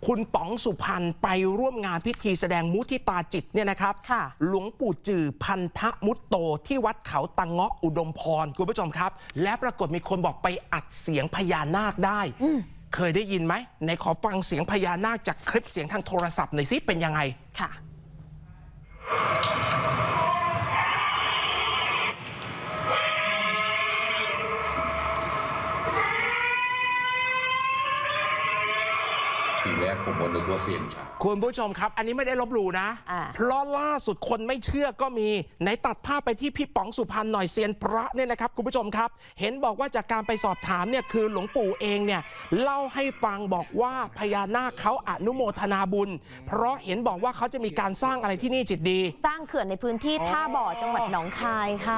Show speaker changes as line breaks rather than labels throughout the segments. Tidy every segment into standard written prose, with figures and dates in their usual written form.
คุณป๋องสุพรรณไปร่วมงานพิธีแสดงมุทิตาจิตเนี่ยนะครับหลวงปู่จือพันธมุตโตที่วัดเขาตังเงาะอุดมพรคุณผู้ชมครับและปรากฏมีคนบอกไปอัดเสียงพญานาคได้เคยได้ยินไหมในขอฟังเสียงพญานาคจากคลิปเสียงทางโทรศัพท์หน่อยสิเป็นยังไงค่ะ
ทีแรกผมนึกว่าเสียงช้าง
คุณผู้ชมครับอันนี้ไม่ได้ลบหลู่นะเพราะล่าสุดคนไม่เชื่อก็มีไหนตัดภาพไปที่พี่ป๋องสุพรรณหน่อยเซียนพระเนี่ยนะครับคุณผู้ชมครับเห็นบอกว่าจากการไปสอบถามเนี่ยคือหลวงปู่เองเนี่ยเล่าให้ฟังบอกว่าพญานาคเขาอนุโมทนาบุญเพราะเห็นบอกว่าเขาจะมีการสร้างอะไรที่นี่จิตดี
สร้างเขื่อนในพื้นที่ท่าบ่อจังหวัดหนองคายค่ะ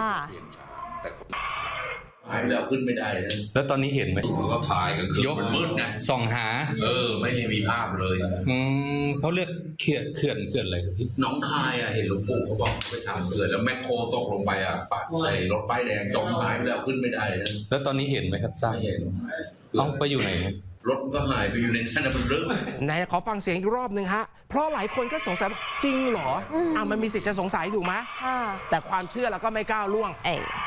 หายแล้วขึ้นไม่ได้
แล้วตอนนี้เห็นไหม
ก็ถ่ายกันคือยกมืดนะ
ส่องหา
ไม่มีภาพเลย
เขาเรียกเขื่อนอะไรครับพี่
น้องคายเห็นหลวงปู่เขาบอกไปทำเขื่อนแล้วแมคโครตกลงไปปัดในรถป้ายแดงจมหายไปแล้วขึ้นไม่ได้
แล้วตอนนี้เห็นไหมครับสร้าง
เห็น
ต้องไปอยู่ไหน
รถก็หายไปอยู่ในชั้นบนเรื่อง
ไหนขอฟังเสียงอีกรอบหนึ่งฮะเพราะหลายคนก็สงสัยจริงเหรอมันมีสิทธิ์จะสงสัยถูกไหมแต่ความเชื่อเราก็ไม่ก้าวล่วง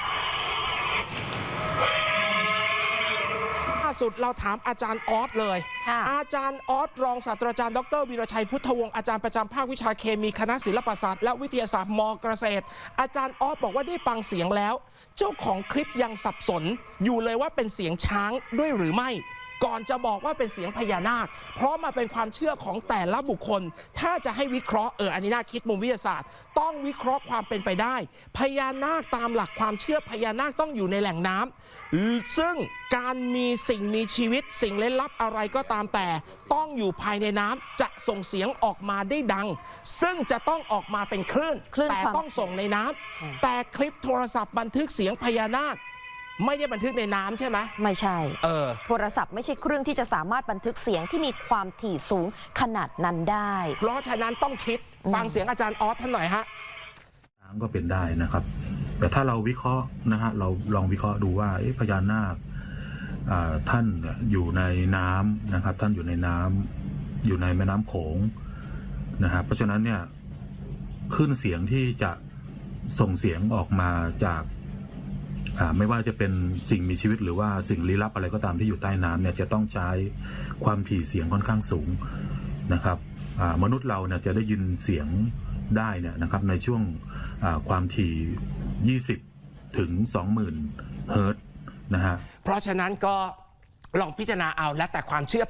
สุดเราถามอาจารย์ออสเลยอาจารย์ออสรองศาสตราจารย์ดร.วีรชัยพุทธวงศ์อาจารย์ประจำภาควิชาเคมีคณะศิลปศาสตร์และวิทยาศาสตร์ม.เกษตรอาจารย์ออสบอกว่าได้ฟังเสียงแล้วเจ้าของคลิปยังสับสนอยู่เลยว่าเป็นเสียงช้างด้วยหรือไม่ก่อนจะบอกว่าเป็นเสียงพญานาคเพราะมาเป็นความเชื่อของแต่ละบุคคลถ้าจะให้วิเคราะห์อันนี้น่าคิดมุมวิทยาศาสตร์ต้องวิเคราะห์ความเป็นไปได้พญานาคตามหลักความเชื่อพญานาคต้องอยู่ในแหล่งน้ำซึ่งการมีสิ่งมีชีวิตสิ่งเร้นลับอะไรก็ตามแต่ต้องอยู่ภายในน้ำจะส่งเสียงออกมาได้ดังซึ่งจะต้องออกมาเป็นคลื่นแต่ต้องส่งในน้ำแต่คลิปโทรศัพท์บันทึกเสียงพญานาคไม่ได้บันทึกในน้ำใช่ไหม
ไม่ใช่โทรศัพท์ไม่ใช่เครื่องที่จะสามารถบันทึกเสียงที่มีความถี่สูงขนาดนั้นได้
เพราะฉะนั้นต้องคิดฟังเสียงอาจารย์ออสท่านหน่อยฮะ
ก็เป็นได้นะครับแต่ถ้าเราวิเคราะห์นะฮะเราลองวิเคราะห์ดูว่าพญานาคท่านอยู่ในน้ำนะครับท่านอยู่ในน้ำอยู่ในแม่น้ำโขงนะครับเพราะฉะนั้นเนี่ยคลื่นเสียงที่จะส่งเสียงออกมาจากไม่ว่าจะเป็นสิ่งมีชีวิตหรือว่าสิ่งลี้ลับอะไรก็ตามที่อยู่ใต้น้ำเนี่ยจะต้องใช้ความถี่เสียงค่อนข้างสูงนะครับมนุษย์เราเนี่ยจะได้ยินเสียงได้เนี่ยนะครับในช่วงความถี่20ถึง20,000 เฮิรตซ์นะฮะ
เพราะฉะนั้นก็ลองพิจารณาเอาและแต่ความเชื่อ